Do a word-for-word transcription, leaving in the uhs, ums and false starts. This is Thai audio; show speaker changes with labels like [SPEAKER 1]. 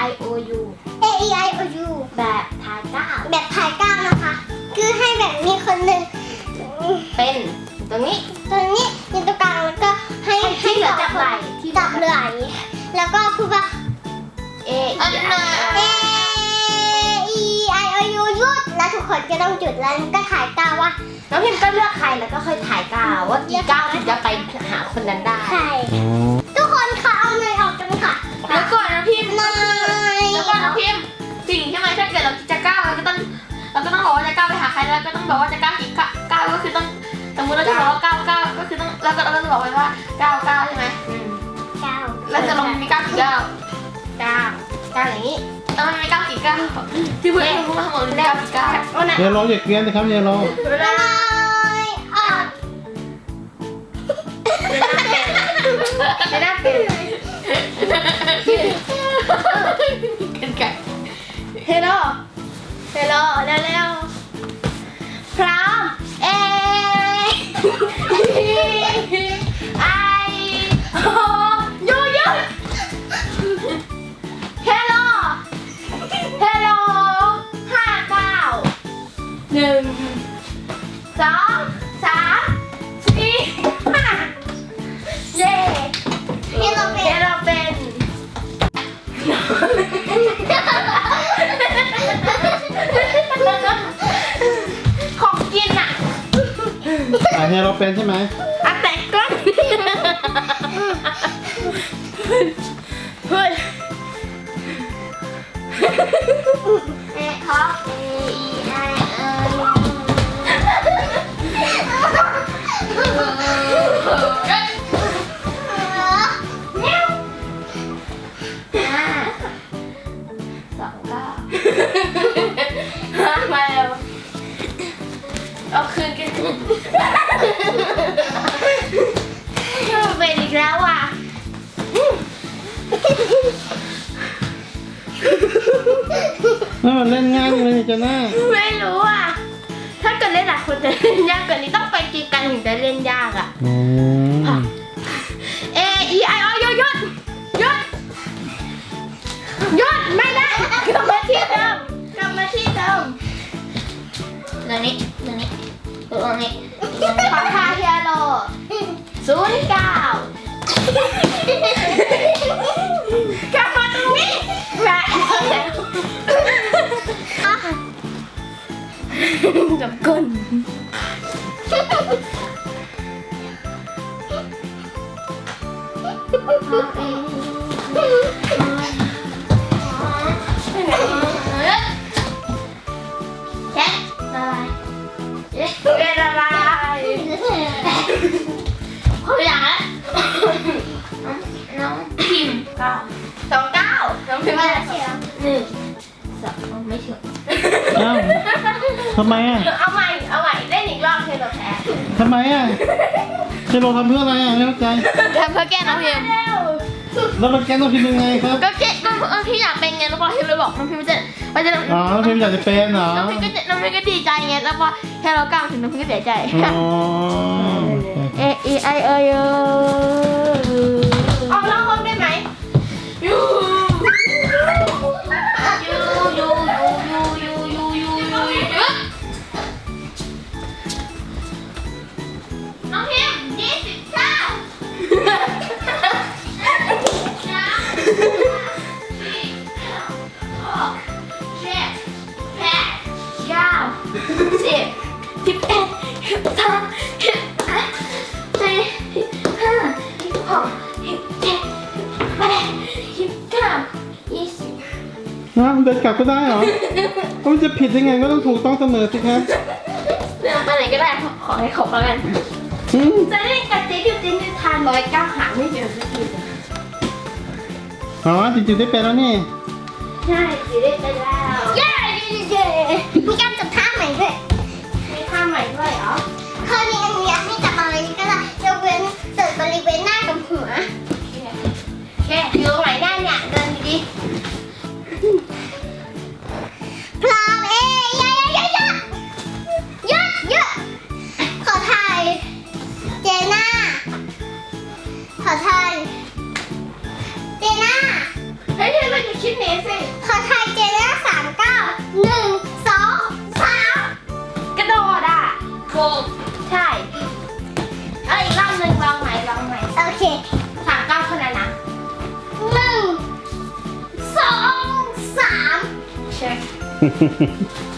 [SPEAKER 1] I O U
[SPEAKER 2] A E I O U
[SPEAKER 1] แบบถ่ายก้าว
[SPEAKER 2] แบบถ่ายก้าวนะคะ คือให้แบบมีคนหนึ่ง
[SPEAKER 1] เป็นตรงนี้
[SPEAKER 2] ตรงนี้อยู่ตรงกลางแล้วก็ให้
[SPEAKER 1] ที่เหลือ
[SPEAKER 2] สง
[SPEAKER 1] จับไหล่ที่
[SPEAKER 2] จับไหล่แล้วก็พูดว่า
[SPEAKER 1] A E I
[SPEAKER 2] A E I O U หยุดแล้วทุกคนก็ต้องหยุดแล้วก็ถ่ายก้าวว่า
[SPEAKER 1] น้องพิมก็เลือกใครแล้วก็ค่อยถ่ายก้าวว่ากี่ก้าวถึงจะไปหาคนนั้นได้
[SPEAKER 2] ใครทุกคนค่ะเอาเนยออกกันค่ะ
[SPEAKER 3] แล้วก่อนนะพิมพ์
[SPEAKER 2] เนย
[SPEAKER 3] แล้วก่อนนะพิมพ์สิ่งใช่ไหมถ้าเกิดเราจะก้าวเราก็ต้องเราก็ต้องบอกว่าจะก้าวไปหาใครแล้วก็ต้องบอกว่าจะก้าวกี่ก้าวก็คือต้องสมมติเราจะบอกว่าก้าวก้าวก็คือต้องแล้วก็เราก็จะบอกไปว่าก้าวก้าวใช่ไหม
[SPEAKER 2] ก้าว
[SPEAKER 3] แล้วจะลงมีก้าวกี่ก้าว
[SPEAKER 1] ก้าวก้าวอย่างนี้
[SPEAKER 3] แล้วมันมีก้าวกี่ก้าวที่เพื่อนรู้มาทั้งหมดมีก้าวกี่ก้าว
[SPEAKER 4] เยลโลอย่าเกรียนนะครับเยลโล
[SPEAKER 2] เนยออก
[SPEAKER 1] ไม่ได้เป็น
[SPEAKER 3] กันไก่
[SPEAKER 1] เฮลโลเฮลโลเร็วๆพร้อม A I O U หยุดเฮลโลเฮลโลห้าเก้าหนึ่งสองสามสี่ห้าเย้
[SPEAKER 2] นี่เราเป็น
[SPEAKER 1] เฮลโลเป็น ของกินอ่ะ
[SPEAKER 4] อ่ะเยลโลเป็นใช่ไหม
[SPEAKER 1] อะแตกก้นเฮ้ยเอ๊ะครับ A E I O U ห้าสองเก้าห้ามาแล้วเอาคืนกันเป็นอีกแล้วอ่ะ
[SPEAKER 4] นั่นมันเล่นง่ายเลยนี่จะหน้า
[SPEAKER 1] ไม่รู้อ่ะ ถ้าเกิดเล่นหลายคนจะเล่นยากกว่านี้ต้องไปกีกันถึงจะเล่นยากอ่ะ
[SPEAKER 4] อืม
[SPEAKER 1] A E I O U หยุดหยุดหยุดไม่ได้กลับมาที่เดิมกลับมาที่เดิมตรงนี้ตรงนี้ตรงนี้ขอทาเฮียโลศูนย์เก้ากลับมาตรงนี้แหวะจับก้นแค่ละลายเป็นละลายคนอย่างนั้นน้องพิมพ์เก้าสองเก้าน้องพิมพ์อะไรหนึ่งสองไม่ถึง
[SPEAKER 4] เอ้าทำไมอ่ะ
[SPEAKER 1] เอาใหม่เอาใหม่เล่นอีกรอบเธอเราแพ้
[SPEAKER 4] ทำไมอ่ะเยลโลทำเพื่ออะไรอ่ะไม่เข้าใจ
[SPEAKER 3] ทำเพื่อแก้น้องพิมพ์
[SPEAKER 1] เร็ว
[SPEAKER 4] แล้วมันแกนต้องพิมพ์ยังไงครับ
[SPEAKER 3] ก็แก้น้องพี่อยากเป็นไงแล้วพอเฮโลบอกน้องพิมจะมันจะ
[SPEAKER 4] อ๋อน้องพิมพ์อยากจะเป็นเหรอ
[SPEAKER 3] น้องพิมก็จะน้องพิมก็ดีใจไงแล้วพอเฮโลก้าวถึงน้องพิมก็เสียใจ
[SPEAKER 4] อ๋อ
[SPEAKER 3] A E I O U
[SPEAKER 1] ออกนอกห้องได้ไหม
[SPEAKER 3] ยูยูยูยูยูยูยูยูน้องพิมยี่สิบเก้าเก้าสิบสิบเอ็ดสิบสองสิบสามสี่สิบห้าสิบหกสิบเจ็ดสิบแปดสิบเก้ายี่สิบ
[SPEAKER 4] น้ำเดินกลับก็ได้เหรอมันจะผิดยังไงก็ต้องถูกต้องเสมอสิครับ
[SPEAKER 3] เรื่องไปไหนก็ได้ขอให้ครบแล้วกัน
[SPEAKER 4] อืม
[SPEAKER 1] จะเล่นกับเจ๊ดิวจินดิวทานร้อยเก้าหาไม่เจอสักทีเลย
[SPEAKER 4] อ๋อจริงๆได้เป็นแล้วนี่
[SPEAKER 1] ใช่จีได้ไปแล้ว
[SPEAKER 2] เย้เย้มีการจับท่าใหม่ด้วย
[SPEAKER 1] มีท่าใหม่ด้วยเหรอ
[SPEAKER 2] คราวนี้อันนี้ให้จับอะไรก็ได้ยกเว้นจุดบริเวณหน้ากับหัว
[SPEAKER 1] แค่อยู่ตรงไหนได้เนี่ยเดินดี
[SPEAKER 2] พร้อมเอ้ยยะยะยะยะยะขอถ่ายเจน่าขอถ่ายเจน่า
[SPEAKER 1] ๆเฮ้ยเธอไปคิดหนีสิ
[SPEAKER 2] ขอไทยเจน่าสามเก้าหนึ่งสองสาม
[SPEAKER 1] กระโดดอ่ะถูกใช่เอ้ยอีกรอบหนึ่งลองใหม่ลองใหม่
[SPEAKER 2] โอเค
[SPEAKER 1] สามเก้าคนนั้นนะ
[SPEAKER 2] หนึ่งสองสาม
[SPEAKER 1] เช็ค